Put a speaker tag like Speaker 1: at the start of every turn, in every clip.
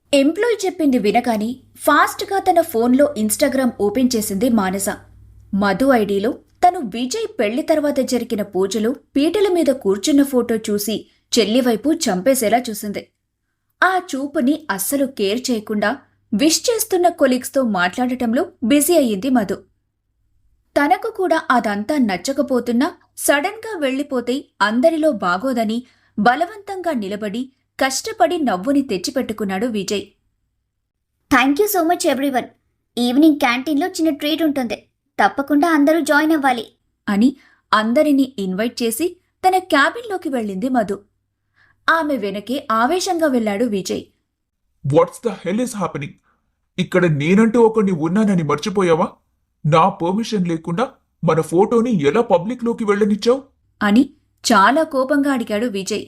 Speaker 1: Employee చెప్పింది వినగాని ఫాస్ట్గా తన ఫోన్లో ఇన్స్టాగ్రామ్ ఓపెన్ చేసింది మానస. మధు ఐడీలో తను విజయ్ పెళ్లి తర్వాత జరిగిన పూజలో పీటల మీద కూర్చున్న ఫోటో చూసి చెల్లివైపు చంపేసేలా చూసింది. ఆ చూపుని అస్సలు కేర్ చేయకుండా విష్ చేస్తున్న కొలీగ్స్తో మాట్లాడటంలో బిజీ అయ్యింది మధు. తనకు కూడా అదంతా నచ్చకపోతున్నా సడన్గా వెళ్లిపోతే అందరిలో బాగోదని బలవంతంగా నిలబడి కష్టపడి నవ్వుని తెచ్చిపెట్టుకున్నాడు Vijay.
Speaker 2: Thank you so much everyone. Evening క్యాంటీన్లో చిన్న ట్రీట్ ఉంటుంది, తప్పకుండా అందరూ జాయిన్ అవ్వాలి
Speaker 1: అని అందరినీ ఇన్వైట్ చేసి తన క్యాబిన్లోకి వెళ్ళింది మధు. ఆమె వెనకే ఆవేశంగా వెళ్లాడు Vijay.
Speaker 3: What's the hell is happening? ఇక్కడ నేనంటూ ఒకడిని ఉన్నానని మర్చిపోయావా? నా పర్మిషన్ లేకుండా మన ఫోటోని ఎలా పబ్లిక్లోకి వెళ్ళనిచ్చావు
Speaker 1: అని చాలా కోపంగా అడిగాడు విజయ్.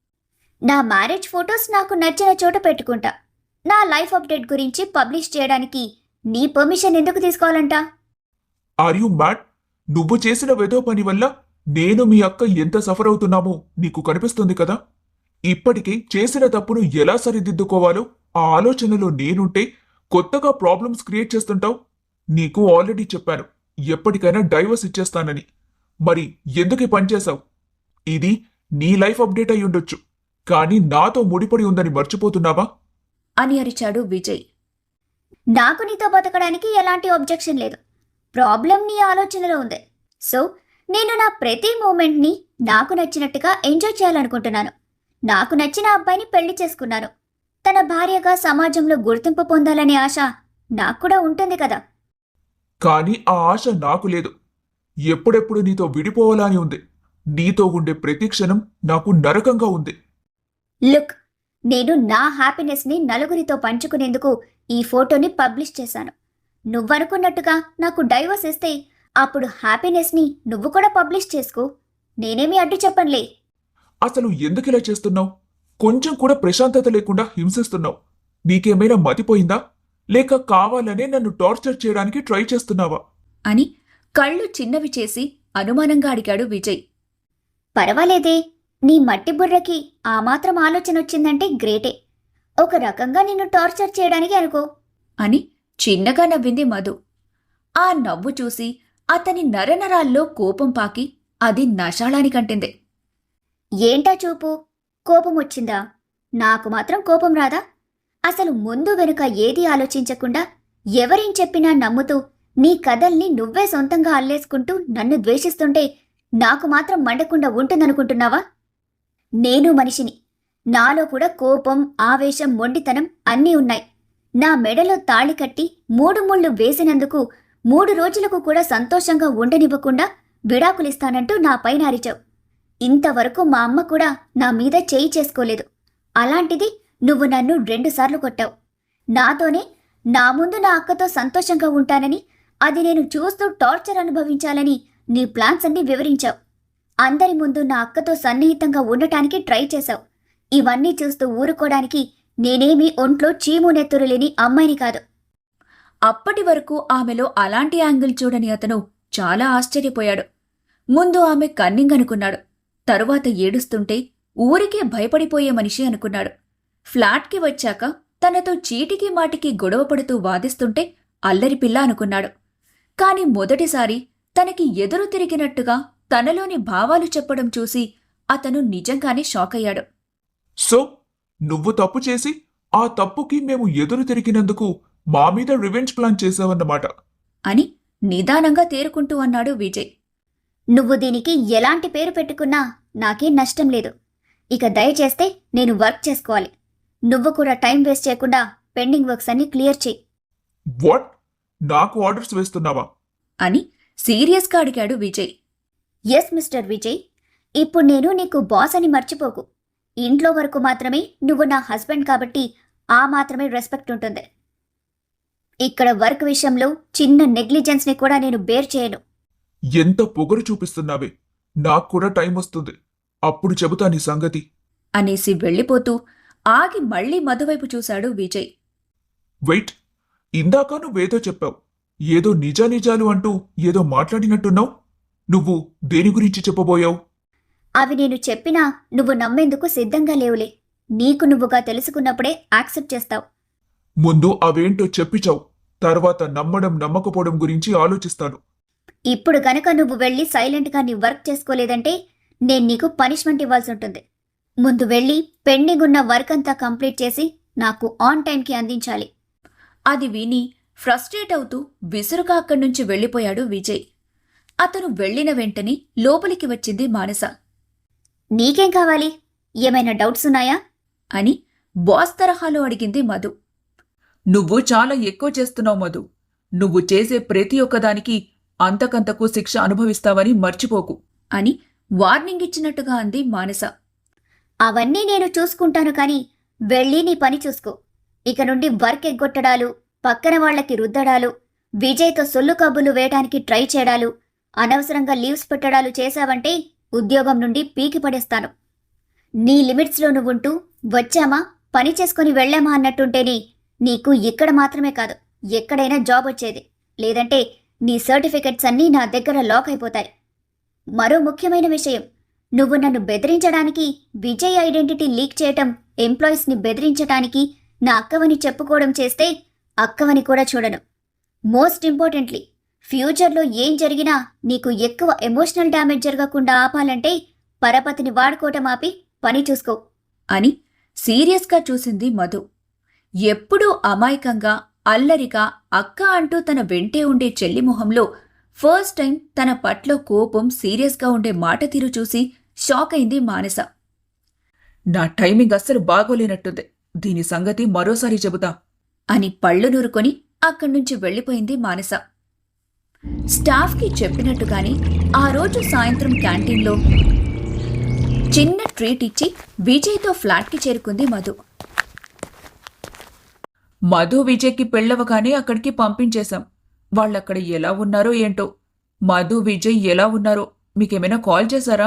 Speaker 2: నా మ్యారేజ్ ఫొటోస్ నాకు నచ్చిన చోట పెట్టుకుంటా. నా లైఫ్ అప్డేట్ గురించి పబ్లిష్ చేయడానికి నీ పర్మిషన్ ఎందుకు తీసుకోవాలంట?
Speaker 3: Are you mad? నువ్వు చేసిన వెదో పని వల్ల నేను మీ అక్క ఎంత సఫర్ అవుతున్నామో నీకు కనిపిస్తుంది కదా. ఇప్పటికే చేసిన తప్పును ఎలా సరిదిద్దుకోవాలో ఆ ఆలోచనలో నేనుంటే కొత్తగా ప్రాబ్లమ్స్ క్రియేట్ చేస్తుంటావు. నీకు ఆల్రెడీ చెప్పాను ఎప్పటికైనా డైవర్స్ ఇచ్చేస్తానని. మరి ఎందుకు పనిచేశావు? ఇది నీ లైఫ్ అప్డేట్ అయి ఉండొచ్చు, కానీ నాతో ముడిపడి ఉందని మర్చిపోతున్నావా
Speaker 1: అని అరిచాడు విజయ్.
Speaker 2: నాకు నీతో బతకడానికి ఎలాంటి ఆబ్జెక్షన్ లేదు. ప్రాబ్లం నీ ఆలోచనలో ఉంది. సో నేను నా ప్రతి మూమెంట్ని నాకు నచ్చినట్టుగా ఎంజాయ్ చేయాలనుకుంటున్నాను. నాకు నచ్చిన అబ్బాయిని పెళ్లి చేసుకున్నాను. తన భార్యగా సమాజంలో గుర్తింపు పొందాలనే ఆశ నాకు కూడా ఉంటుంది కదా.
Speaker 3: కానీ ఆ ఆశ నాకు లేదు. ఎప్పుడెప్పుడు నీతో విడిపోవాలా అని ఉంది. నీతో ఉండే ప్రతి క్షణం నాకు నరకంగా ఉంది.
Speaker 2: లుక్, నేను నా హ్యాపీనెస్ని నలుగురితో పంచుకునేందుకు ఈ ఫోటోని పబ్లిష్ చేశాను. నువ్వనుకున్నట్టుగా నాకు డైవర్స్ ఇస్తే అప్పుడు హ్యాపీనెస్ని నువ్వు కూడా పబ్లిష్ చేసుకో. నేనేమీ అడ్డు చెప్పనులే.
Speaker 3: అసలు ఎందుకిలా చేస్తున్నావు? కొంచెం కూడా ప్రశాంతత లేకుండా హింసిస్తున్నావు. నీకేమైనా మతిపోయిందా? లేక కావాలనే నన్ను టార్చర్ చేయడానికి ట్రై చేస్తున్నావా
Speaker 1: అని కళ్ళు చిన్నవి చేసి అనుమానంగా అడిగాడు విజయ్.
Speaker 2: పర్వాలేదే, నీ మట్టి బుర్రకి ఆ మాత్రం ఆలోచన వచ్చిందంటే గ్రేటే. ఒక రకంగా నిన్ను టార్చర్ చేయడానికి అనుకో
Speaker 1: అని చిన్నగా నవ్వింది మధు. ఆ నవ్వు చూసి అతని నరనరాల్లో కోపం పాకి అది నషాళానికంటింది.
Speaker 2: ఏంటా చూపు? కోపం వచ్చిందా? నాకు మాత్రం కోపం రాదా? అసలు ముందు వెనుక ఏదీ ఆలోచించకుండా ఎవరేం చెప్పినా నమ్ముతూ నీ కథల్ని నువ్వే సొంతంగా అల్లేసుకుంటూ నన్ను ద్వేషిస్తుంటే నాకు మాత్రం మండకుండా ఉంటుందనుకుంటున్నావా? నేను మనిషిని. నాలో కూడా కోపం, ఆవేశం, మొండితనం అన్నీ ఉన్నాయి. నా మెడలో తాళి కట్టి 3 ముళ్ళు వేసినందుకు 3 రోజులకు కూడా సంతోషంగా ఉండనివ్వకుండా విడాకులిస్తానంటూ నా పైన అరిచావు. ఇంతవరకు మా అమ్మ కూడా నా మీద చేయి చేసుకోలేదు. అలాంటిది నువ్వు నన్ను 2 సార్లు కొట్టావు. నాతోనే నా ముందు నా అక్కతో సంతోషంగా ఉంటానని, అది నేను చూస్తూ టార్చర్ అనుభవించాలని నీ ప్లాన్స్ అన్ని వివరించావు. అందరి ముందు నా అక్కతో సన్నిహితంగా ఉండటానికి ట్రై చేశావు. ఇవన్నీ చూస్తూ ఊరుకోవడానికి నేనేమీ ఒంట్లో చీము నెత్తురు లేని అమ్మాయిని కాదు.
Speaker 1: అప్పటి వరకు ఆమెలో అలాంటి యాంగిల్ చూడని అతను చాలా ఆశ్చర్యపోయాడు. ముందు ఆమె కన్నింగ్ అనుకున్నాడు. తరువాత ఏడుస్తుంటే ఊరికే భయపడిపోయే మనిషి అనుకున్నాడు. ఫ్లాట్కి వచ్చాక తనతో చీటికి మాటికి గొడవపడుతూ వాదిస్తుంటే అల్లరిపిల్ల అనుకున్నాడు. కాని మొదటిసారి తనకి ఎదురు తిరిగినట్టుగా తనలోని భావాలు చెప్పడం చూసి అతను నిజంగానే షాకయ్యాడు.
Speaker 3: సో నువ్వు తప్పు చేసి ఆ తప్పుకి మేము ఎదురు తిరిగినందుకు మా మీద రివెంజ్ ప్లాన్ చేసావన్నమాట
Speaker 1: అని నిదానంగా తేరుకుంటూ అన్నాడు విజయ్.
Speaker 2: నువ్వు దీనికి ఎలాంటి పేరు పెట్టుకున్నా నాకేం నష్టం లేదు. ఇక దయచేస్తే నేను వర్క్ చేసుకోవాలి. నువ్వు కూడా టైం వేస్ట్ చేయకుండా పెండింగ్ వర్క్స్ అన్ని క్లియర్ చేయి.
Speaker 3: వాట్? నాకు ఆర్డర్స్ వేస్తున్నావా
Speaker 1: అని సీరియస్గా అడిగాడు విజయ్.
Speaker 2: ఎస్ మిస్టర్ విజయ్, ఇప్పుడు నేను నీకు బాస్ అని మర్చిపోకు. ఇంట్లో వరకు మాత్రమే నువ్వు నా హస్బెండ్ కాబట్టి ఆ మాత్రమే రెస్పెక్ట్ ఉంటుంది. ఇక్కడ వర్క్ విషయంలో చిన్న నెగ్లిజెన్స్ని కూడా నేను బేర్ చేయను.
Speaker 3: ఎంత పొగరు చూపిస్తున్నావే. నాకు కూడా టైం వస్తుంది, అప్పుడు చెబుతా నీ సంగతి
Speaker 1: అనేసి వెళ్ళిపోతూ ఆగి మళ్లీ మధువైపు చూశాడు విజయ్.
Speaker 3: వెయిట్, ఇందాక నువ్వేదో చెప్పావు. ఏదో నిజానిజాలు అంటూ ఏదో మాట్లాడినట్టున్నావు. నువ్వు దేని గురించి చెప్పబోయావు?
Speaker 2: అవి నేను చెప్పినా నువ్వు నమ్మేందుకు సిద్ధంగా లేవులే. నీకు నువ్వుగా తెలుసుకున్నప్పుడే యాక్సెప్ట్ చేస్తావు.
Speaker 3: ముందు అవేంటో చెప్పిచావు. తర్వాత నమ్మడం నమ్మకపోవడం గురించి ఆలోచిస్తాను.
Speaker 2: ఇప్పుడు గనక నువ్వు వెళ్ళి సైలెంట్గా నీ వర్క్ చేసుకోలేదంటే నేను నీకు పనిష్మెంట్ ఇవ్వాల్సి ఉంటుంది. ముందు వెళ్ళి పెండింగ్ ఉన్న వర్క్ అంతా కంప్లీట్ చేసి నాకు ఆన్ టైంకి అందించాలి.
Speaker 1: అది విని ఫ్రస్ట్రేట్ అవుతూ విసురుగా అక్కడి నుంచి వెళ్ళిపోయాడు విజయ్. అతను వెళ్ళిన వెంటనే లోపలికి వచ్చింది మానస.
Speaker 2: నీకేం కావాలి? ఏమైనా డౌట్స్ ఉన్నాయా?
Speaker 1: అని బాస్ తరహాలో అడిగింది మధు.
Speaker 4: నువ్వు చాలా ఎక్కువ చేస్తున్నావు మధు. నువ్వు చేసే ప్రతి ఒక్కదానికి అంతకంతకు శిక్ష అనుభవిస్తావని మర్చిపోకు
Speaker 1: అని వార్నింగ్ ఇచ్చినట్టుగా అంది మానస.
Speaker 2: అవన్నీ నేను చూసుకుంటాను కానీ వెళ్ళి నీ పని చూసుకో. ఇక నుండి వర్క్ ఎగ్గొట్టడాలు, పక్కన వాళ్లకి రుద్దడాలు, విజయ్తో సొల్లు కబుర్లు వేయడానికి ట్రై చేయడాలు, అనవసరంగా లీవ్స్ పెట్టడాలు చేశావంటే ఉద్యోగం నుండి పీకి పడేస్తాను. నీ లిమిట్స్లో నువ్వుంటూ వచ్చామా పని చేసుకుని వెళ్ళామా అన్నట్టుంటేనే నీకు ఇక్కడ మాత్రమే కాదు ఎక్కడైనా జాబ్ వచ్చేది. లేదంటే నీ సర్టిఫికెట్స్ అన్నీ నా దగ్గర లాక్ అయిపోతాయి. మరో ముఖ్యమైన విషయం, నువ్వు నన్ను బెదిరించడానికి, విజయ్ ఐడెంటిటీ లీక్ చేయటం, ఎంప్లాయీస్ని బెదిరించటానికి నా అక్కవని చెప్పుకోవడం చేస్తే అక్కవని కూడా చూడను. మోస్ట్ ఇంపార్టెంట్లీ, ఫ్యూచర్లో ఏం జరిగినా నీకు ఎక్కువ ఎమోషనల్ డ్యామేజ్ జరగకుండా ఆపాలంటే పరపతిని వాడుకోవటం ఆపి పని చూసుకో
Speaker 1: అని సీరియస్గా చూసింది మధు. ఎప్పుడూ అమాయకంగా అల్లరిగా అక్క అంటూ తన వెంటే ఉండే చెల్లి మొహంలో ఫస్ట్ టైం తన పట్ల కోపం సీరియస్గా ఉండే మాట తీరు చూసి షాక్ అయింది మానస.
Speaker 4: నా టైమింగ్ అస్సలు బాగోలేనట్టుంది. దీని సంగతి మరోసారి చెబుతా
Speaker 1: అని పళ్ళు నూరుకొని అక్కడ్నుంచి వెళ్ళిపోయింది మానస. స్టాఫ్కి చెప్పినట్టుగాని ఆ రోజు సాయంత్రం క్యాంటీన్లో చిన్న ట్రీట్ ఇచ్చి విజయ్తో ఫ్లాట్కి చేరుకుంది మధు.
Speaker 4: మధు విజయ్కి పెళ్ళవగానే అక్కడికి పంపించేశాం. వాళ్ళక్కడ ఎలా ఉన్నారో ఏంటో. మధు విజయ్ ఎలా ఉన్నారో మీకేమైనా కాల్ చేశారా?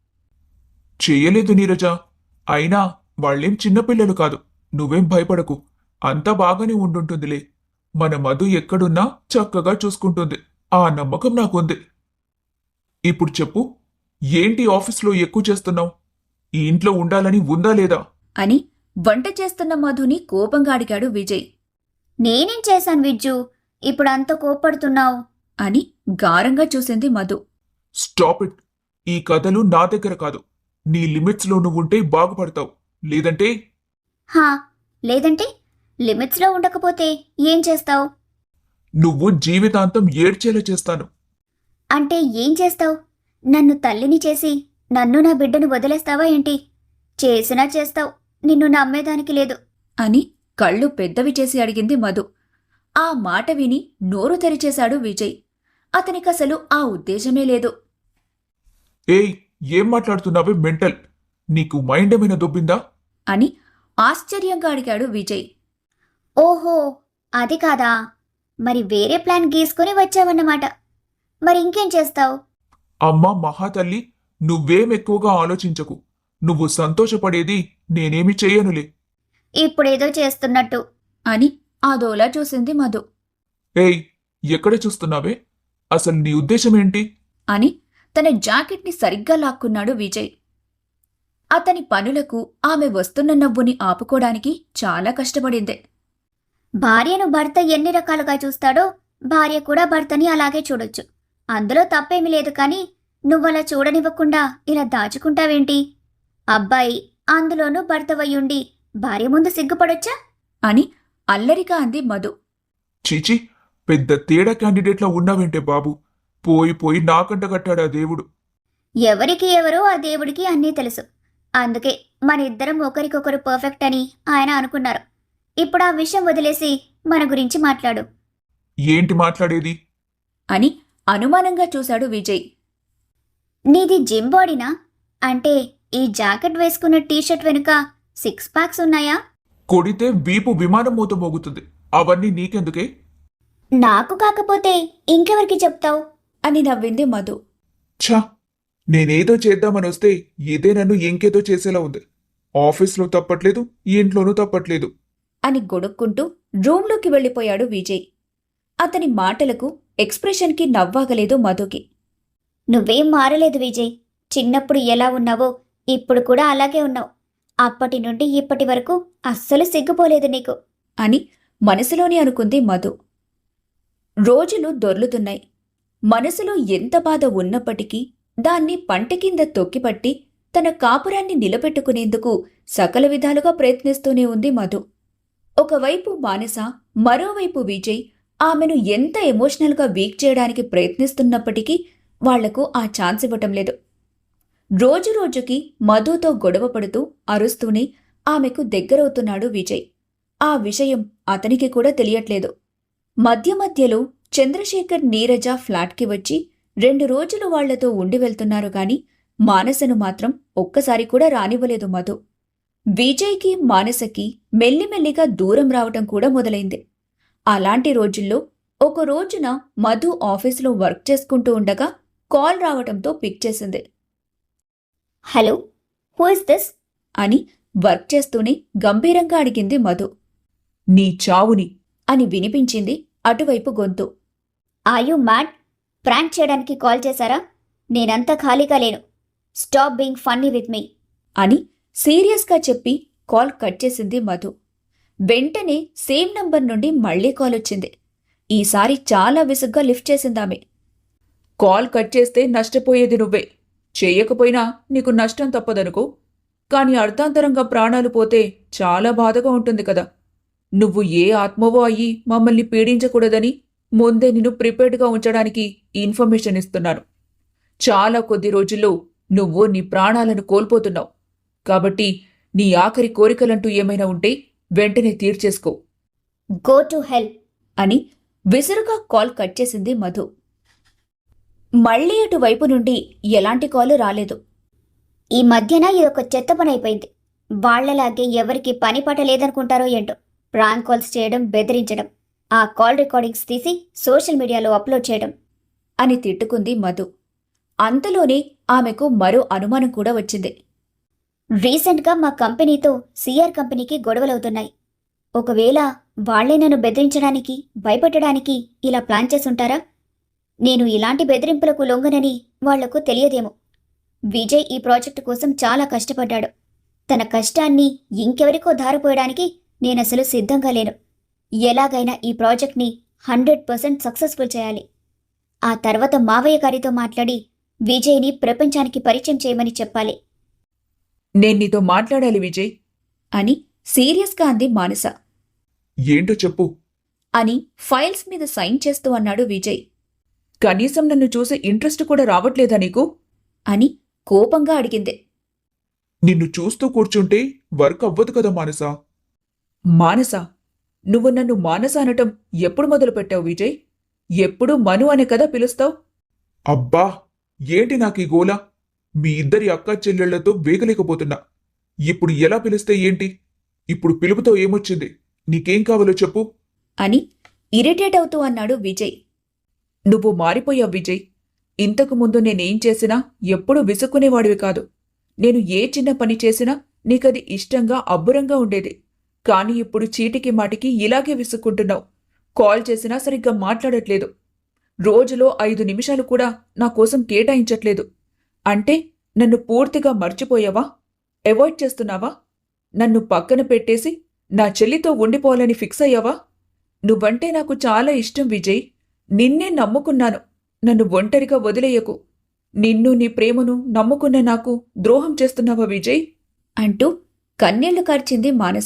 Speaker 3: చెయ్యలేదు నీరజ. అయినా వాళ్ళేం చిన్నపిల్లలు కాదు. నువ్వేం భయపడకు. అంతా బాగానే ఉండుంటుందిలే. మన మధు ఎక్కడున్నా చక్కగా చూసుకుంటుంది. ఆ నమ్మకం నాకుంది. ఇప్పుడు చెప్పు, ఏంటి ఆఫీస్లో ఎక్కువ చేస్తున్నావు? ఈ ఇంట్లో ఉండాలని ఉందా లేదా?
Speaker 1: అని వంట చేస్తున్న మధుని కోపంగా అడిగాడు విజయ్.
Speaker 2: నేనేం చేశాను విజ్జు, ఇప్పుడు అంత కోప్పడుతున్నావు?
Speaker 1: అని గారంగా చూసింది మధు.
Speaker 3: Stop it. ఈ కథలు నా దగ్గర కాదు. నీ లిమిట్స్లో నువ్వుంటే బాగుపడతావు. లేదంటే
Speaker 2: హా, లేదంటే లిమిట్స్లో ఉండకపోతే ఏం చేస్తావు?
Speaker 3: నువ్వు జీవితాంతం ఏడ్చేలా చేస్తాను.
Speaker 2: అంటే ఏం చేస్తావు? నన్ను తల్లిని చేసి నన్ను నా బిడ్డను వదిలేస్తావా ఏంటి? చేసినా చేస్తావు, నిన్ను నమ్మేదానికి లేదు.
Speaker 1: అని కళ్ళు పెద్దవి చేసి అడిగింది మధు. ఆ మాట విని నోరు తెరిచేశాడు విజయ్. అతనికసలు ఆ ఉద్దేశమే లేదు.
Speaker 3: ఏయ్, ఏం మాట్లాడుతున్నావే మెంటల్? నీకు మైండ్ ఏమైనా దొబ్బిందా?
Speaker 1: అని ఆశ్చర్యంగా అడిగాడు విజయ్.
Speaker 2: ఓహో, అది కాదా? మరి వేరే ప్లాన్ గీసుకుని వచ్చావన్నమాట. మరి ఇంకేం చేస్తావు?
Speaker 3: అమ్మా మహాతల్లి, నువ్వేం ఎక్కువగా ఆలోచించకు. నువ్వు సంతోషపడేది నేనేమి చెయ్యనులే.
Speaker 2: ఇప్పుడేదో చేస్తున్నట్టు.
Speaker 1: అని అదోలా చూసింది మధు.
Speaker 3: ఏయ్, ఎక్కడ చూస్తున్నావే? అసలు నీ ఉద్దేశం ఏంటి?
Speaker 1: అని తన జాకెట్ని సరిగ్గా లాక్కున్నాడు విజయ్. అతని పనులకు ఆమె వస్తున్న నవ్వుని ఆపుకోవడానికి చాలా కష్టపడింది.
Speaker 2: భార్యను భర్త ఎన్ని రకాలుగా చూస్తాడో భార్య కూడా భర్తని అలాగే చూడొచ్చు. అందులో తప్పేమీ లేదు. కానీ నువ్వలా చూడనివ్వకుండా ఇలా దాచుకుంటావేంటి? అబ్బాయి అందులోనూ భర్తవయ్యుండి భార్య ముందు సిగ్గుపడొచ్చా?
Speaker 1: అని అల్లరిగా అంది మధు.
Speaker 3: చీచి, పెద్ద తేడా క్యాండిడేట్లా ఉన్నావేంటే బాబు. పోయి పోయి నాకంట కట్టాడా దేవుడు.
Speaker 2: ఎవరికి ఎవరో ఆ దేవుడికి అన్నీ తెలుసు. అందుకే మన ఇద్దరం ఒకరికొకరు పర్ఫెక్ట్ అని ఆయన అనుకున్నారు. ఇప్పుడు ఆ విషయం వదిలేసి మన గురించి మాట్లాడు.
Speaker 3: ఏంటి మాట్లాడేది?
Speaker 1: అని అనుమానంగా చూశాడు విజయ్.
Speaker 2: నీది జిమ్ బాడీనా? అంటే ఈ జాకెట్ వేసుకున్న టీషర్ట్ వెనుక 6 ప్యాక్స్ ఉన్నాయా?
Speaker 3: కొడితే వీపు విమానం మూత మోగుతుంది. అవన్నీ నీకెందుకే?
Speaker 2: నాకు కాకపోతే ఇంకెవరికి చెప్తావు?
Speaker 1: అని నవ్వింది మధు.
Speaker 3: ఛా, నేనేదో చేద్దామని వస్తే ఇదే నన్ను ఇంకేదో చేసేలా ఉంది. ఆఫీస్లో తప్పట్లేదు, ఈ ఇంట్లోనూ తప్పట్లేదు.
Speaker 1: అని గొడుక్కుంటూ రూంలోకి వెళ్ళిపోయాడు విజయ్. అతని మాటలకు ఎక్స్ప్రెషన్కి నవ్వాగలేదు మధుకి.
Speaker 2: నువ్వేం మారలేదు విజయ్. చిన్నప్పుడు ఎలా ఉన్నావో ఇప్పుడు కూడా అలాగే ఉన్నావు. అప్పటి నుండి ఇప్పటి వరకు అస్సలు సిగ్గుపోలేదు నీకు.
Speaker 1: అని మనసులోనే అనుకుంది మధు. రోజులు దొర్లుతున్నాయి. మనసులో ఎంత బాధ ఉన్నప్పటికీ దాన్ని పంట కింద తొక్కిపట్టి తన కాపురాన్ని నిలబెట్టుకునేందుకు సకల విధాలుగా ప్రయత్నిస్తూనే ఉంది మధు. ఒకవైపు మానస, మరోవైపు విజయ్ ఆమెను ఎంత ఎమోషనల్గా వీక్ చేయడానికి ప్రయత్నిస్తున్నప్పటికీ వాళ్లకు ఆ ఛాన్స్ ఇవ్వటం లేదు. రోజురోజుకి మధుతో గొడవ పడుతూ అరుస్తూనే ఆమెకు దగ్గరవుతున్నాడు విజయ్. ఆ విషయం అతనికి కూడా తెలియట్లేదు. మధ్య మధ్యలో చంద్రశేఖర్, నీరజ ఫ్లాట్కి వచ్చి 2 రోజులు వాళ్లతో ఉండి వెళ్తున్నారు గాని మానసను మాత్రం ఒక్కసారి కూడా రానివ్వలేదు మధు. విజయ్కి, మానసకి మెల్లిమెల్లిగా దూరం రావటం కూడా మొదలైంది. అలాంటి రోజుల్లో ఒక రోజున మధు ఆఫీసులో వర్క్ చేసుకుంటూ ఉండగా కాల్ రావటంతో పిక్ చేసింది.
Speaker 2: Hello, who is this?
Speaker 1: అని వర్క్ చేస్తూనే గంభీరంగా అడిగింది మధు.
Speaker 4: నీ చావుని.
Speaker 1: అని వినిపించింది అటువైపు గొంతు.
Speaker 2: Are you mad? ప్రాంక్ చేయడానికి కాల్ చేశారా? నేనంతా ఖాళీగా లేను. Stop being funny with me
Speaker 1: అని సీరియస్గా చెప్పి కాల్ కట్ చేసింది మధు. వెంటనే సేమ్ నంబర్ నుండి మళ్లీ కాల్ వచ్చింది. ఈసారి చాలా విసుగ్గా లిఫ్ట్ చేసిందామె.
Speaker 4: కాల్ కట్ చేస్తే నష్టపోయేది నువ్వే. చెయ్యకపోయినా నీకు నష్టం తప్పదనుకో. కాని అర్థాంతరంగా ప్రాణాలు పోతే చాలా బాధగా ఉంటుంది కదా. నువ్వు ఏ ఆత్మవో అయ్యి మమ్మల్ని పీడించకూడదని ముందే నిన్ను ప్రిపేర్డ్గా ఉంచడానికి ఇన్ఫర్మేషన్ ఇస్తున్నాను. చాలా కొద్ది రోజుల్లో నువ్వు నీ ప్రాణాలను కోల్పోతున్నావు. కాబట్టి నీ ఆఖరి కోరికలంటూ ఏమైనా ఉంటే వెంటనే తీర్చేసుకో.
Speaker 2: గో టు హెల్
Speaker 1: అని విసురుగా కాల్ కట్ చేసింది మధు. మళ్లీ అటువైపు నుండి ఎలాంటి కాలు రాలేదు.
Speaker 2: ఈ మధ్యన ఇదొక చెత్త పని అయిపోయింది. వాళ్లలాగే ఎవరికి పని పాట లేదనుకుంటారో ఏంటో. ప్రాంక్ కాల్స్ చేయడం, బెదిరించడం, ఆ కాల్ రికార్డింగ్స్ తీసి సోషల్ మీడియాలో అప్లోడ్ చేయడం
Speaker 1: అని తిట్టుకుంది మధు. అంతలోనే ఆమెకు మరో అనుమానం కూడా వచ్చింది.
Speaker 2: రీసెంట్గా మా కంపెనీతో సిఆర్ కంపెనీకి గొడవలవుతున్నాయి. ఒకవేళ వాళ్లే నన్ను బెదిరించడానికి, భయపెట్టడానికి ఇలా ప్లాన్ చేసుంటారా? నేను ఇలాంటి బెదిరింపులకు లొంగనని వాళ్లకు తెలియదేమో. విజయ్ ఈ ప్రాజెక్టు కోసం చాలా కష్టపడ్డాడు. తన కష్టాన్ని ఇంకెవరికో ధారపోయడానికి నేనసలు సిద్ధంగా లేను. ఎలాగైనా ఈ ప్రాజెక్ట్ని 100% సక్సెస్ఫుల్ చేయాలి. ఆ తర్వాత మావయ్య గారితో మాట్లాడి విజయ్ని ప్రపంచానికి పరిచయం చేయమని చెప్పాలి.
Speaker 4: నేను నీతో మాట్లాడాలి విజయ్
Speaker 1: అని సీరియస్గా అంది మానస.
Speaker 3: ఏంటో చెప్పు.
Speaker 1: అని ఫైల్స్ మీద సైన్ చేస్తూ అన్నాడు విజయ్.
Speaker 4: కనీసం నన్ను చూసే ఇంట్రెస్ట్ కూడా రావట్లేదా నీకు?
Speaker 1: అని కోపంగా అడిగింది.
Speaker 3: నిన్ను చూస్తూ కూర్చుంటే వర్క్ అవ్వదు కదా మానస.
Speaker 4: మానస? నువ్వు నన్ను మానస అనటం ఎప్పుడు మొదలుపెట్టావు విజయ్? ఎప్పుడు మను అనే కదా పిలుస్తావు?
Speaker 3: అబ్బా, ఏంటి నాకీ గోల? మీ ఇద్దరి అక్కా చెల్లెళ్లతో వేగలేకపోతున్నా. ఇప్పుడు ఎలా పిలిస్తే ఏంటి? ఇప్పుడు పిలుపుతో ఏమొచ్చింది? నీకేం కావాలో చెప్పు.
Speaker 1: అని ఇరిటేట్ అవుతూ అన్నాడు విజయ్.
Speaker 4: నువ్వు మారిపోయావు విజయ్. ఇంతకు ముందు నేనేం చేసినా ఎప్పుడూ విసుక్కునేవాడివి కాదు. నేను ఏ చిన్న పని చేసినా నీకది ఇష్టంగా, అబ్బురంగా ఉండేది. కాని ఇప్పుడు చీటికి మాటికి ఇలాగే విసుక్కుంటున్నావు. కాల్ చేసినా సరిగ్గా మాట్లాడట్లేదు. రోజులో 5 నిమిషాలు కూడా నా కోసం కేటాయించట్లేదు. అంటే నన్ను పూర్తిగా మర్చిపోయావా? అవాయిడ్ చేస్తున్నావా? నన్ను పక్కన పెట్టేసి నా చెల్లితో ఉండిపోవాలని ఫిక్స్ అయ్యావా? నువ్వంటే నాకు చాలా ఇష్టం విజయ్. నిన్నే నమ్ముకున్నాను. నన్ను ఒంటరిగా వదిలేయకు. నిన్ను, నీ ప్రేమను నమ్ముకున్న నాకు ద్రోహం చేస్తున్నావా విజయ్?
Speaker 1: అంటూ కన్నీళ్లు కార్చింది Manasa.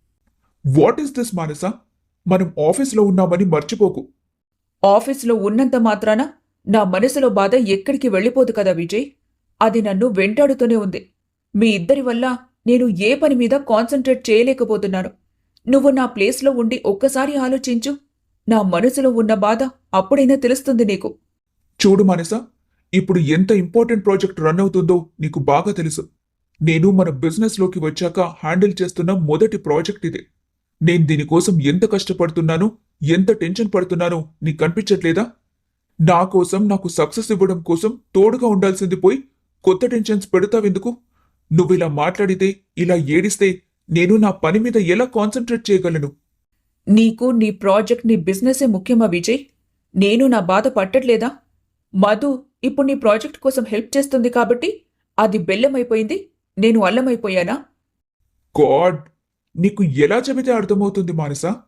Speaker 3: What is this Manasa? మనం ఆఫీస్లో ఉన్నామని మర్చిపోకు.
Speaker 4: ఆఫీసులో ఉన్నంత మాత్రాన నా మనసులో బాధ ఎక్కడికి వెళ్ళిపోదు కదా విజయ్. అది నన్ను వెంటాడుతూనే ఉంది. మీ ఇద్దరి వల్ల నేను ఏ పని మీద కాన్సంట్రేట్ చేయలేకపోతున్నాను. నువ్వు నా ప్లేస్లో ఉండి ఒక్కసారి ఆలోచించు. నా మనసులో ఉన్న బాధ అప్పుడైనా తెలుస్తుంది నీకు.
Speaker 3: చూడు మానస, ఇప్పుడు ఎంత ఇంపార్టెంట్ ప్రాజెక్ట్ రన్ అవుతుందో నీకు బాగా తెలుసు. నేను మన బిజినెస్లోకి వచ్చాక హ్యాండిల్ చేస్తున్న మొదటి ప్రాజెక్ట్ ఇది. నేను దీనికోసం ఎంత కష్టపడుతున్నానో, ఎంత టెన్షన్ పడుతున్నానో నీకు కనిపించట్లేదా? నా కోసం, నాకు సక్సెస్ ఇవ్వడం కోసం తోడుగా ఉండాల్సింది పోయి కొత్త టెన్షన్స్ పెడతావెందుకు? నువ్విలా మాట్లాడితే, ఇలా ఏడిస్తే నేను నా పని మీద ఎలా కాన్సంట్రేట్ చేయగలను?
Speaker 4: నీకు నీ ప్రాజెక్ట్, నీ బిజినెసే ముఖ్యమా విజయ్? నేను నా బాధ పట్టట్లేదా? మధు ఇప్పుడు నీ ప్రాజెక్ట్ కోసం హెల్ప్ చేస్తుంది కాబట్టి అది బెల్లమైపోయింది, నేను అల్లమైపోయానా?
Speaker 3: గాడ్, నీకు ఎలా చెబితే అర్థమవుతుంది మానస?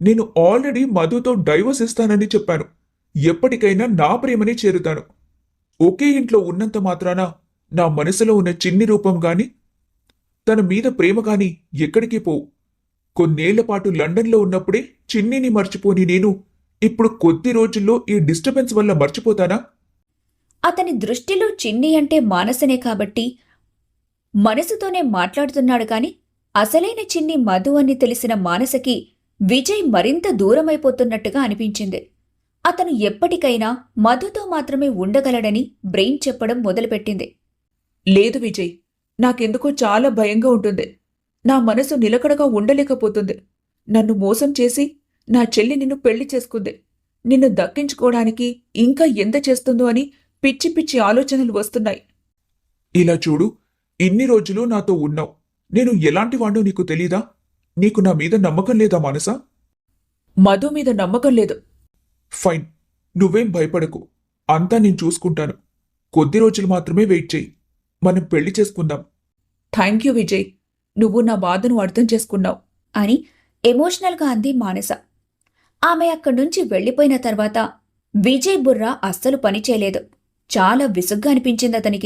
Speaker 3: నేను ఆల్రెడీ మధుతో డైవర్స్ ఇస్తానని చెప్పాను. ఎప్పటికైనా నా ప్రేమనే చేరుతాను. ఒకే ఇంట్లో ఉన్నంత మాత్రాన నా మనసులో ఉన్న చిన్ని రూపం గాని తన మీద ప్రేమ గాని ఎక్కడికి పోవు. కొన్నేళ్ల పాటు లండన్లో ఉన్నప్పుడే చిన్నిని మర్చిపోని నేను ఇప్పుడు కొద్ది రోజుల్లో ఈ డిస్టర్బెన్స్ వల్ల మర్చిపోతానా?
Speaker 1: అతని దృష్టిలో చిన్ని అంటే మానసనే కాబట్టి మనసుతోనే మాట్లాడుతున్నాడు కాని అసలైన చిన్ని మధు అని తెలిసిన మానసకి విజయ్ మరింత దూరమైపోతున్నట్టుగా అనిపించింది. అతను ఎప్పటికైనా మధుతో మాత్రమే ఉండగలడని బ్రెయిన్ చెప్పడం మొదలుపెట్టింది.
Speaker 4: లేదు విజయ్, నాకెందుకో చాలా భయంగా ఉంటుంది. నా మనసు నిలకడగా ఉండలేకపోతుంది. నన్ను మోసం చేసి నా చెల్లి నిన్ను పెళ్లి చేసుకుంది. నిన్ను దక్కించుకోవడానికి ఇంకా ఎంత చేస్తుందో అని పిచ్చి పిచ్చి ఆలోచనలు వస్తున్నాయి.
Speaker 3: ఇలా చూడు, ఇన్ని రోజులు నాతో ఉన్నావు. నేను ఎలాంటి వాణ్ణో నీకు తెలీదా? నీకు నా మీద నమ్మకం లేదా మానసా?
Speaker 4: మధు మీద నమ్మకం లేదు.
Speaker 3: ఫైన్, నువ్వేం భయపడకు. అంతా నేను చూసుకుంటాను. కొద్ది రోజులు మాత్రమే వెయిట్ చేయి. మనం పెళ్లి చేసుకుందాం.
Speaker 4: థ్యాంక్ యూ విజయ్, నువ్వు నా బాధను అర్థం చేసుకున్నావు
Speaker 1: అని ఎమోషనల్గా అంది మానస. ఆమె అక్కడ్నుంచి వెళ్లిపోయిన తర్వాత విజయ్ బుర్ర అస్సలు పనిచేయలేదు. చాలా విసుగ్గా అనిపించింది అతనికి.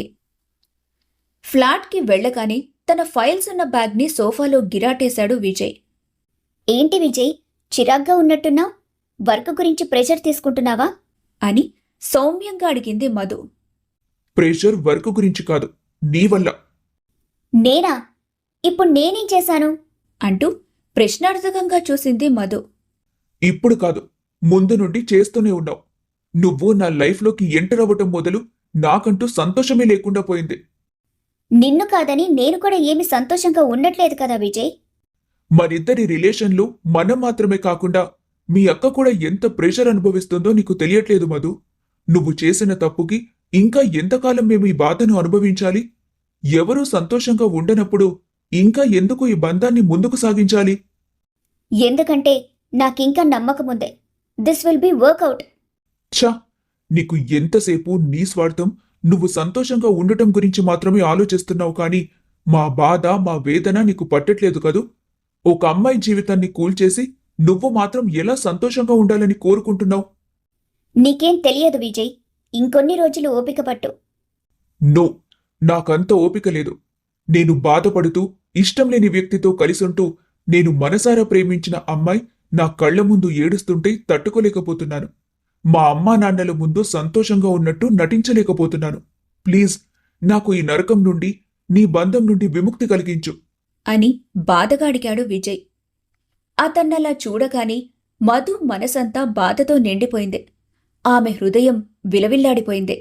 Speaker 1: ఫ్లాట్కి వెళ్ళగానే తన ఫైల్స్ ఉన్న బ్యాగ్ని సోఫాలో గిరాటేశాడు విజయ్.
Speaker 2: ఏంటి విజయ్, చిరాగ్గా ఉన్నట్టున్నావు? వర్క్ గురించి ప్రెషర్ తీసుకుంటున్నావా?
Speaker 1: అని సౌమ్యంగా అడిగింది మధు.
Speaker 3: ప్రెషర్ వర్క్ గురించి కాదు, నీ వల్ల.
Speaker 2: నేనా? ఇప్పుడు నేనేం చేశాను?
Speaker 1: అంటూ ప్రశ్నార్థకంగా చూసింది మధు.
Speaker 3: ఇప్పుడు కాదు, ముందు నుండి చేస్తూనే ఉన్నావు. నువ్వు నా లైఫ్లోకి ఎంటర్ అవ్వటం మొదలు నాకంటూ సంతోషమే లేకుండా పోయింది.
Speaker 2: నిన్ను కాదని నేను కూడా ఏమి సంతోషంగా ఉండట్లేదు కదా విజయ్.
Speaker 3: మనిద్దరి రిలేషన్లో మనం మాత్రమే కాకుండా మీ అక్క కూడా ఎంత ప్రెషర్ అనుభవిస్తుందో నీకు తెలియట్లేదు మధు. నువ్వు చేసిన తప్పుకి ఇంకా ఎంతకాలం మేము ఈ బాధను అనుభవించాలి? ఎవరూ సంతోషంగా ఉండనప్పుడు ఇంకా ఎందుకు ఈ బంధాన్ని ముందుకు సాగించాలి?
Speaker 2: ఎందుకంటే నాకింకా నమ్మకముందే దిస్ విల్ బి వర్కౌట్.
Speaker 3: ఛా, నీకు ఎంతసేపు నీ స్వార్థం, నువ్వు సంతోషంగా ఉండటం గురించి మాత్రమే ఆలోచిస్తున్నావు కానీ మా బాధ, మా వేదన నీకు పట్టట్లేదు కదూ. ఒక అమ్మాయి జీవితాన్ని కూల్చేసి నువ్వు మాత్రం ఎలా సంతోషంగా ఉండాలని కోరుకుంటున్నావు?
Speaker 2: నీకేం తెలియదు విజయ్, ఇంకొన్ని రోజులు ఓపిక పట్టు.
Speaker 3: నో, నాకంత ఓపిక లేదు. నేను బాధపడుతూ ఇష్టం లేని వ్యక్తితో కలిసుంటూ నేను మనసారా ప్రేమించిన అమ్మాయి నా కళ్ల ముందు ఏడుస్తుంటే తట్టుకోలేకపోతున్నాను. మా అమ్మా నాన్నల ముందు సంతోషంగా ఉన్నట్టు నటించలేకపోతున్నాను. ప్లీజ్, నాకు ఈ నరకం నుండి, నీ బంధం నుండి విముక్తి కలిగించు
Speaker 1: అని బాధగా అడిగాడు విజయ్. అతన్నలా చూడగానే మధు మనసంతా బాధతో నిండిపోయింది. ఆమె హృదయం విలవిల్లాడిపోయింది.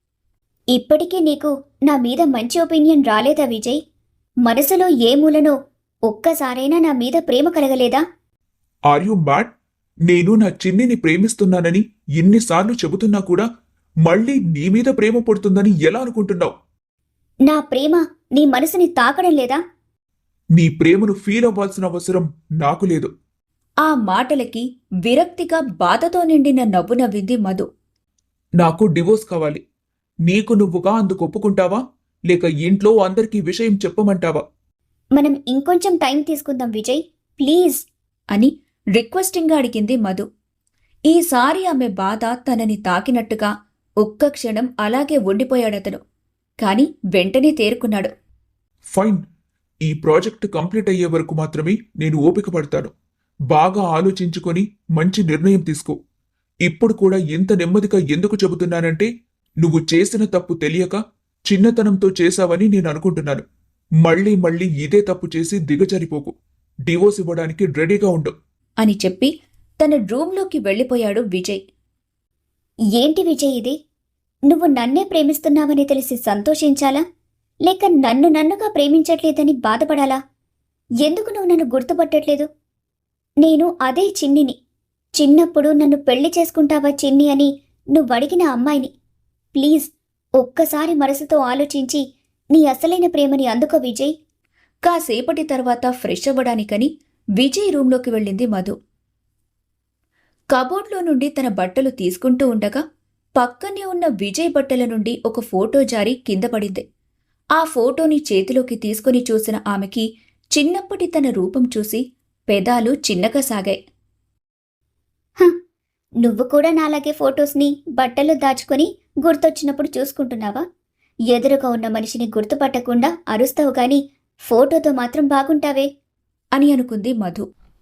Speaker 2: ఇప్పటికీ నీకు నా మీద మంచి ఒపీనియన్ రాలేదా విజయ్? మనసులో ఏ మూలనో ఒక్కసారైనా నా మీద ప్రేమ కలగలేదా?
Speaker 3: Are you mad? నేను నా చిన్నిని ప్రేమిస్తున్నానని ఎన్నిసార్లు చెబుతున్నా కూడా మళ్ళీ నీ మీద ప్రేమ పడుతుందని ఎలా అనుకుంటున్నావు?
Speaker 2: నా ప్రేమ నీ మనసుని తాకడం లేదా?
Speaker 3: నీ ప్రేమను ఫీల్ అవ్వాల్సిన అవసరం నాకు లేదు.
Speaker 1: ఆ మాటలకి విరక్తిగా బాధతో నిండిన నవ్వు నవ్వింది మధు.
Speaker 3: నాకు డివోర్స్ కావాలి. నీకు నువ్వుగా అందుకు ఒప్పుకుంటావా, లేక ఇంట్లో అందరికీ విషయం చెప్పమంటావా?
Speaker 2: మనం ఇంకొంచెం టైం తీసుకుందాం విజయ్, ప్లీజ్
Speaker 1: అని రిక్వెస్టింగ్గా అడిగింది మధు. ఈసారి ఆమె బాధ తనని తాకినట్టుగా ఒక్క క్షణం అలాగే ఉండిపోయాడతను. కాని వెంటనే తేరుకున్నాడు.
Speaker 3: ఫైన్, ఈ ప్రాజెక్ట్ కంప్లీట్ అయ్యే వరకు మాత్రమే నేను ఓపిక పడతాను. బాగా ఆలోచించుకొని మంచి నిర్ణయం తీసుకో. ఇప్పుడు కూడా ఇంత నెమ్మదిగా ఎందుకు చెబుతున్నానంటే నువ్వు చేసిన తప్పు తెలియక చిన్నతనంతో చేశావని నేను అనుకుంటున్నాను. మళ్ళీ మళ్ళీ ఇదే తప్పు చేసి దిగజారిపోకు. డివోర్స్ ఇవ్వడానికి రెడీగా ఉండు
Speaker 1: అని చెప్పి తన రూంలోకి వెళ్ళిపోయాడు విజయ్.
Speaker 2: ఏంటి విజయ్ ఇది? నువ్వు నన్నే ప్రేమిస్తున్నావని తెలిసి సంతోషించాలా, లేక నన్నుగా ప్రేమించట్లేదని బాధపడాలా? ఎందుకు నువ్వు నన్ను గుర్తుపట్టట్లేదు? నేను అదే చిన్నిని. చిన్నప్పుడు నన్ను పెళ్లి చేసుకుంటావా చిన్ని అని నువ్వడిగిన అమ్మాయిని. ప్లీజ్, ఒక్కసారి మనసుతో ఆలోచించి నీ అసలైన ప్రేమని అందుకో విజయ్.
Speaker 1: కాసేపటి తర్వాత ఫ్రెష్ అవ్వడానికని విజయ్ రూంలోకి వెళ్ళింది మధు. కబోర్డ్లో నుండి తన బట్టలు తీసుకుంటూ ఉండగా పక్కనే ఉన్న విజయ్ బట్టల నుండి ఒక ఫోటో జారి కింద పడింది. ఆ ఫోటోని చేతిలోకి తీసుకుని చూసిన ఆమెకి చిన్నప్పటి తన రూపం చూసి పెదాలు చిన్నగా సాగాయి.
Speaker 2: నువ్వు కూడా నాలాగే ఫొటోస్ని బట్టలు దాచుకొని గుర్తొచ్చినప్పుడు చూసుకుంటున్నావా? ఎదురుగా ఉన్న మనిషిని గుర్తుపట్టకుండా అరుస్తావు గాని ఫోటోతో మాత్రం బాగుంటావే
Speaker 1: అని అనుకుంది మధు.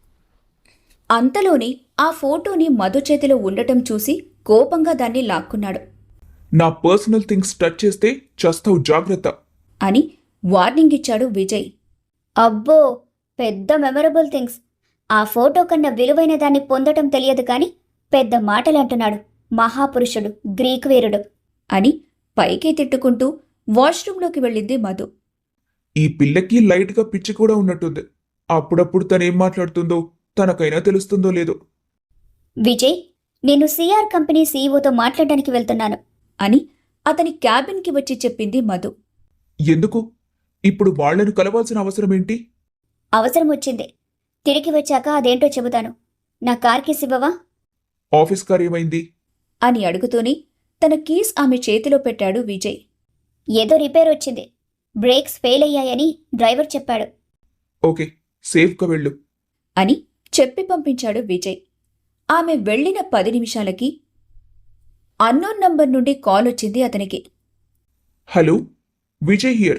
Speaker 1: అంతలోనే ఆ ఫోటోని మధు చేతిలో ఉండటం చూసి కోపంగా దాన్ని లాక్కున్నాడు.
Speaker 3: నా పర్సనల్ థింగ్స్ టచ్ చేస్తే చస్తావు, జాగ్రత్త.
Speaker 1: అని వార్నింగ్ ఇచ్చాడు విజయ్.
Speaker 2: అబ్బో, పెద్ద మెమరబుల్ థింగ్స్. ఆ ఫోటో కన్నా విలువైన దాన్ని పొందటం తెలియదు కాని పెద్ద మాటలంటున్నాడు. మహాపురుషుడు, గ్రీక్ వీరుడు
Speaker 1: అని పైకే తిట్టుకుంటూ వాష్రూంలోకి వెళ్ళింది మధు.
Speaker 3: ఈ పిల్లకి లైట్గా పిచ్చి కూడా ఉన్నట్టుంది. అప్పుడప్పుడు తనేం మాట్లాడుతుందో తనకైనా తెలుస్తుందో లేదో.
Speaker 2: విజయ్, నేను సిఆర్ కంపెనీ సీఈఓతో మాట్లాడడానికి వెళ్తున్నాను
Speaker 1: అని అతని క్యాబిన్కి వచ్చి చెప్పింది మధు.
Speaker 3: ఎందుకు? ఇప్పుడు వాళ్లను కలవాల్సిన అవసరమేంటి?
Speaker 2: అవసరం వచ్చింది. తిరిగి వచ్చాక అదేంటో చెబుతాను. నా కార్కి ఇవ్వవా?
Speaker 3: ఆఫీస్ కార్ ఏమైంది?
Speaker 1: అని అడుగుతూనే తన కీస్ ఆమె చేతిలో పెట్టాడు విజయ్.
Speaker 2: ఏదో రిపేర్ వచ్చింది. బ్రేక్స్ ఫెయిల్ అయ్యాయని డ్రైవర్ చెప్పాడు.
Speaker 3: ఓకే, సేఫ్గా వెళ్ళు.
Speaker 1: అని చెప్పి పంపించాడు విజయ్. ఆమె వెళ్ళిన 10 నిమిషాలకి అన్నోన్ నంబర్ నుండి కాల్ వచ్చింది అతనికి.
Speaker 3: Hello, Vijay here.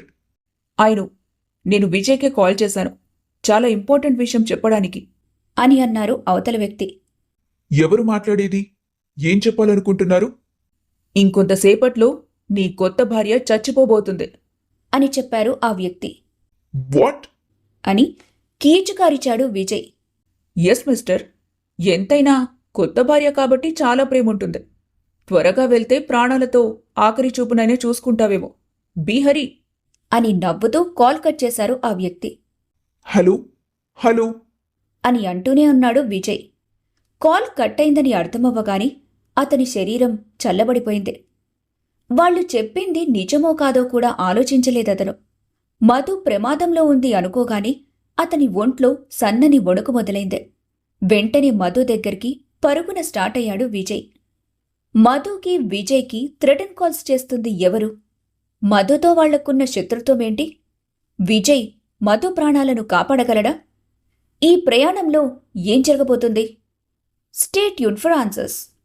Speaker 4: నేను విజయ్కే కాల్ చేశాను, చాలా ఇంపార్టెంట్ విషయం చెప్పడానికి
Speaker 1: అని అన్నారు అవతల వ్యక్తి.
Speaker 3: ఎవరు మాట్లాడేది? ఏం చెప్పాలనుకుంటున్నారు?
Speaker 4: ఇంకొంతసేపట్లో నీ కొత్త భార్య చచ్చిపోబోతుంది
Speaker 1: అని చెప్పారు ఆ వ్యక్తి.
Speaker 3: వాట్?
Speaker 1: అని కీచుకారిచాడు విజయ్.
Speaker 4: ఎస్ మిస్టర్, ఎంతైనా కొత్త భార్య కాబట్టి చాలా ప్రేముంటుంది. త్వరగా వెళ్తే ప్రాణాలతో ఆఖరి చూపునైనా చూసుకుంటావేమో. బీ హరి
Speaker 1: అని నవ్వుతూ కాల్ కట్ చేశారు ఆ వ్యక్తి.
Speaker 3: హలో హలో
Speaker 1: అని అంటూనే ఉన్నాడు విజయ్. కాల్ కట్ అయిందని అర్థమవ్వగాని అతని శరీరం చల్లబడిపోయింది. వాళ్ళు చెప్పింది నిజమో కాదో కూడా ఆలోచించలేదతను. మధు ప్రమాదంలో ఉంది అనుకోగాని అతని ఒంట్లో సన్నని వణుకు మొదలైంది. వెంటనే మధు దగ్గరికి పరుగున స్టార్ట్ అయ్యాడు విజయ్. మధుకి విజయ్కి థ్రెటన్ కాల్స్ చేస్తుంది ఎవరు? మధుతో వాళ్లకున్న శత్రుత్వమేంటి? విజయ్ మధు ప్రాణాలను కాపాడగలడా? ఈ ప్రయాణంలో ఏం జరగబోతుంది? Stay tune for answers.